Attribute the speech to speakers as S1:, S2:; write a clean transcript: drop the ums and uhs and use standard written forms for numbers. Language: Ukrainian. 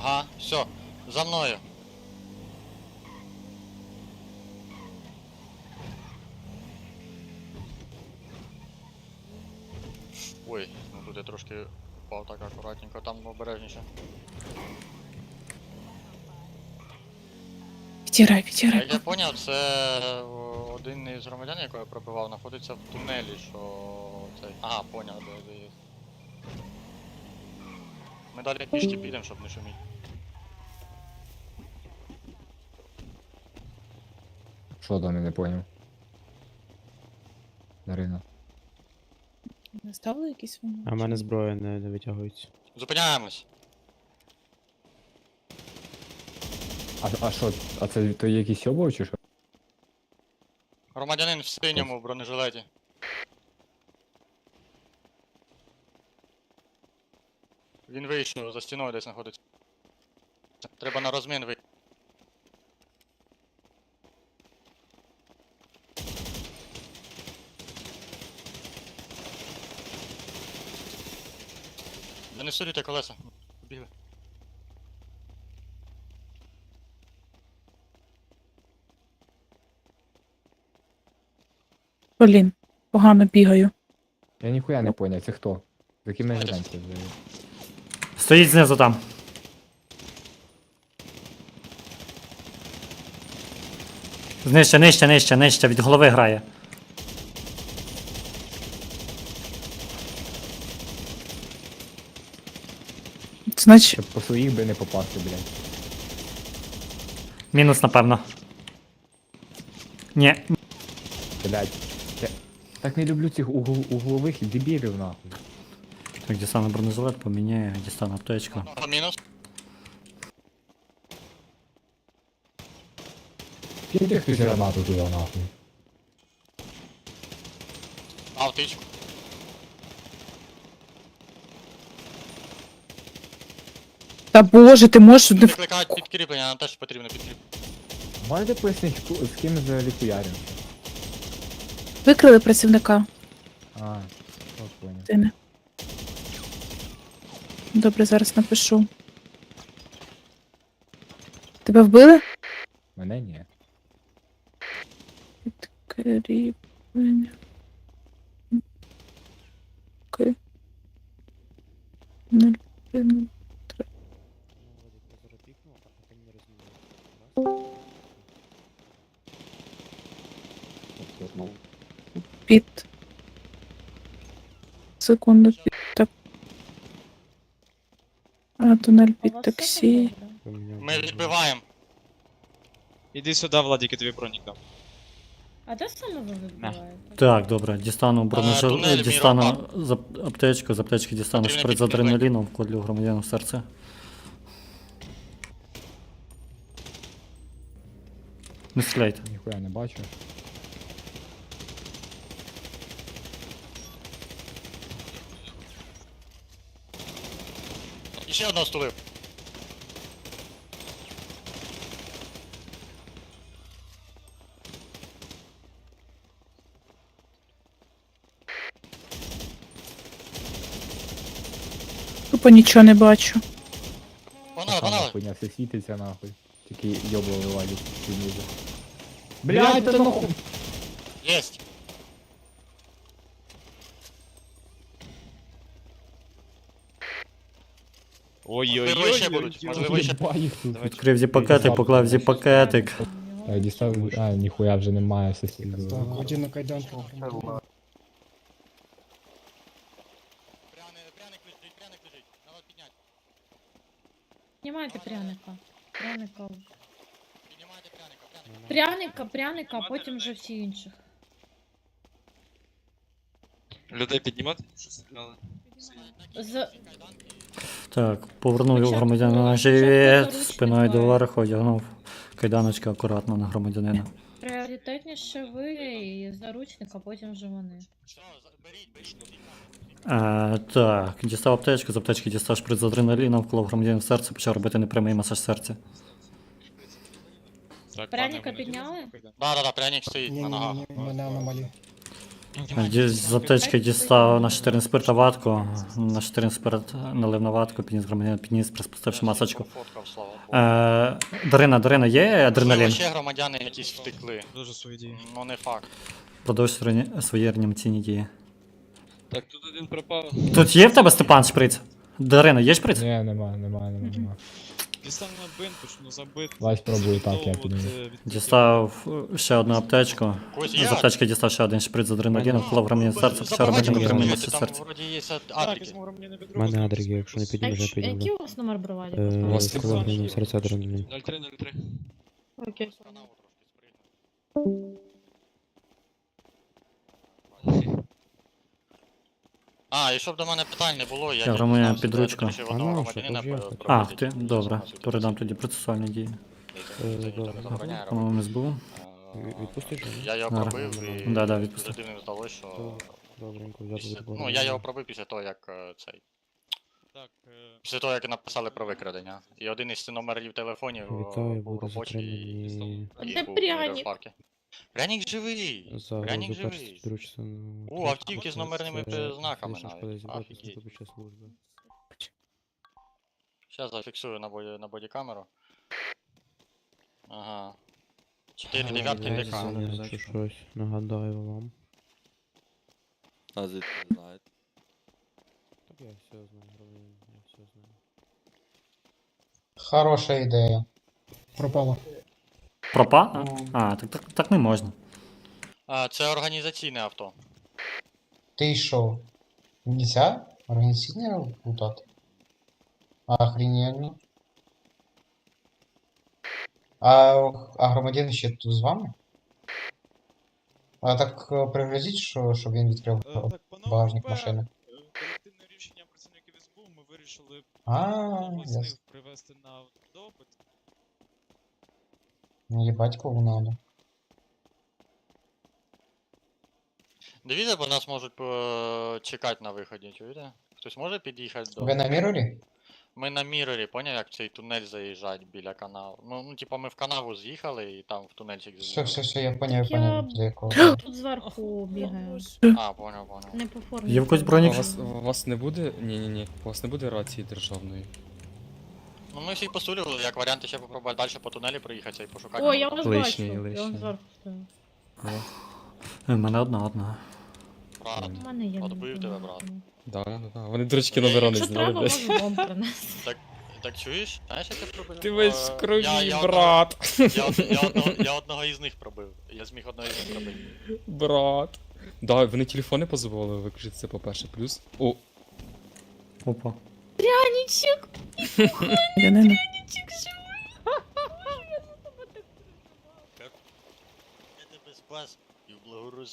S1: Ага, все, за мною. Ой, ну тут я трошки впав так акуратненько, там обережніше.
S2: Відтирай,
S1: Як я
S2: відтирай.
S1: поняв, це один із громадян, якого я пробивав, знаходиться в тунелі, що цей. Ага, поняв, де є. Ми далі пішки підемо, щоб не шуміти.
S3: Що там, я не поняв. Дарина.
S2: Не ставили якісь вони?
S4: А в мене зброя не витягується.
S1: Зупиняємось.
S3: А що, а це то якийсь обов чи що?
S1: Громадянин в синьому бронежилеті. Він вийшов, за стіною десь знаходиться. Треба на розмін вийти. Да не сурюйте колеса. Бігли.
S2: Блін, погано бігаю.
S3: Я ніхуя не поняв, це хто? За яким ми
S1: Знаєте,
S3: живемо взагалі?
S5: Стоїть знизу там. Нижче, від голови грає.
S2: Значить,
S3: Щоб по своїх би не попасти, блядь.
S5: Мінус, напевно. Ні,
S3: Блядь. Я так не люблю цих углових дебілів, нахуй.
S5: так, дістану бронежилет, поміняю, дістану аптечку.
S1: Одного мінус.
S3: Киньте хтось гранату туди, нахуй.
S1: А, втичку.
S2: та боже, ти можеш не
S1: Викликають підкріплення, нам теж потрібно підкріплення.
S3: Можете пояснити, з ким взагалі хуярим?
S2: викрили працівника.
S3: А, от поняв.
S2: Ти не. Добре, зараз напишу. Тебе вбили?
S3: Мене ні.
S2: Підкріплення. Окей. 0,3. Під. Секунду, під так. А, тунель під таксі.
S1: Ми відбиваємо.
S6: Іди сюди, Владик, я тобі бронік дам.
S7: А де саме ви вибиваєте?
S5: Так, добре, дістану
S1: тунель
S5: бронежилет, дістану
S1: Міропарк.
S5: аптечку, з аптечки дістану
S1: Потрібно
S5: шприц з
S1: підкріплення.
S5: адреналіном, вкладлю громадянину в серце. Не стріляйте.
S3: Ніхуя не бачу.
S1: І ще одного стулив.
S2: Тупо нічого не бачу.
S1: Погнали,
S3: Сама
S1: погнали.
S3: хуйня все світиться, нахуй. Тільки йобовий валік знизу. Блядь, та нахуй!
S1: Єсть. Можливо, ще будуть. Можливо, ще.
S3: Єба їх тут.
S5: Відкрив зі-пакетик, поклав зі-пакетик.
S3: Дістав, ніхуя вже немає, все сильно.
S8: Один на кайданку.
S1: Пряник лежить, пряник лежить. Надо підняти.
S7: Знімайте пряника. Пряника.
S1: Піднімайте пряника,
S7: Пряника, а потім вже всі інших.
S6: Людей піднімати?
S7: З...
S5: Так, повернув його
S7: Спочатку
S5: громадянина на
S7: спочатку
S5: живіт,
S7: заручник
S5: спиною
S7: має.
S5: доверху, одягнув кайданочки акуратно на громадянина.
S7: Пріоритетніше ви і заручник, а потім вже вони.
S1: Що, беріть, беріть.
S5: Так, дістав аптечку, з аптечки дістав шприц з адреналіном, вклав громадянина в серце, почав робити непрямий масаж серця.
S6: Так,
S7: Пряника підняли?
S1: Да, пряник стоїть
S8: Ні,
S1: на
S8: ні,
S1: ногах.
S8: ні, мене аномалі.
S5: З аптечки дістав на 14 спирта ватку, на 14 спирт налив на ватку, підніс громадянин, підніс, приспустивши масочку.
S1: Фоткав, слава Богу.
S5: Дарина, є
S1: Можливо,
S5: адреналін?
S1: ще громадяни якісь втекли.
S6: Дуже свої дії.
S1: Ну не факт.
S5: Продовж свої реанімаційні дії.
S6: Так, тут один пропав.
S5: Тут є в тебе, Степан, шприц? Дарина, є шприц?
S3: Ні, нема.
S6: Дістав на бинт, почну забити.
S3: Давай спробую так, я підніму.
S5: Дістав ще одну аптечку.
S1: Когось є?
S5: З аптечки дістав ще один шприц з адреналіном, вклав громадянин серце, почав робити
S1: Забагато
S5: непрямий
S1: там
S5: серце.
S1: вроді є
S6: Так,
S1: адрики.
S6: візьму громадянина від
S4: У мене адрики, якщо не
S7: А
S4: підіймеш, я
S7: який
S4: підійму.
S7: у вас номер бригаді?
S4: Складний серця адреналін.
S6: 0303.
S7: Окей.
S1: А, і щоб до мене питань не було, я
S5: громадянин
S1: дізнався,
S5: під
S1: де я
S5: ручку.
S1: вирішив одного
S4: А, ну,
S1: громадянина
S4: що, то ж я.
S1: пробити.
S5: А, ти? Добре. Передам тоді процесуальні дії.
S4: Добре.
S5: По-моєму, СБУ.
S4: Відпустиш його?
S1: Я його
S5: Ага.
S1: пробив і
S5: Да, відпусти.
S1: людині здалося, що...
S4: Добренько, взяти
S1: після-
S4: відбор.
S1: Ну, я його пробив після того, як цей.
S6: Так,
S1: Після того, як написали про викрадення. І один із номерів телефонів
S4: Вітаю,
S1: був
S4: буду
S1: робочий і
S4: затримані
S7: А
S1: і
S7: де
S1: був
S7: пряник?
S1: в парку. Пряник живий!
S4: за
S1: Пряник
S4: перший
S1: живий!
S4: підручно.
S1: О, автівки з номерними знаками навіть.
S4: Офігеть.
S1: Офігеть.
S4: Під час служби.
S1: Зараз зафіксую на бодікамеру. Ага. 4 дев'ятки ДК.
S4: Якщо щось нагадаю вам.
S8: А звідки ви знаєте?
S4: Так я все знаю, громадянин, я все знаю.
S9: Хороша ідея.
S3: Пропало.
S5: Пропа? А, так не можна.
S1: А, це організаційне авто.
S9: Ти що? Нельзя? Організаційне лутати? Охрененно. А громадян ще тут з вами? А так пригрозіть, щоб він відкрив
S6: так, панове,
S9: багажник
S6: ПП,
S9: машини.
S6: колективним рішенням працівників СБУ ми вирішили
S9: А,
S6: одного з них
S9: ясно.
S6: привезти на допит.
S9: Ну, їбать, кого надо.
S1: Дивіться, бо нас можуть чекати на виході, чуєте? Хтось може під'їхати до...
S9: Ви на мірорі?
S1: Ми на мірорі, поняв, як в цей тунель заїжджать біля каналу. Ну, типа ми в канаву з'їхали і там в тунельчик
S9: Все, я поняв,
S7: Я-
S9: до якого.
S7: Тут зверху бігаю.
S1: А, поняв.
S7: Не по формі.
S5: Є в когось
S10: А
S5: бронік?
S10: у вас не буде? Ні. У вас не буде рації державної.
S1: Ну ми всіх посулювали, як варіанти ще попробувати далі по тунелі проїхатися і пошукати.
S7: О, я вас
S10: Лишній,
S7: бачу. Я
S10: лишній.
S7: вам зверху стою.
S5: У мене одна.
S1: Брат.
S7: У мене є.
S1: Отбив тебе, брат.
S10: Да. Вони дурачки номера не
S7: Якщо треба,
S10: знали, блядь.
S7: можу вам принести.
S1: Так чуєш? Знаєш, як я пробив?
S10: Ти весь в крові,
S1: я
S10: брат.
S1: Я одного із них пробив. Я зміг одного із них пробити.
S10: Брат. Да, вони телефони дозволили виключити, це по-перше. Плюс. О,
S5: Опа.
S7: Пряничок!
S2: Янина.
S1: Я тебе спас і в благородстві.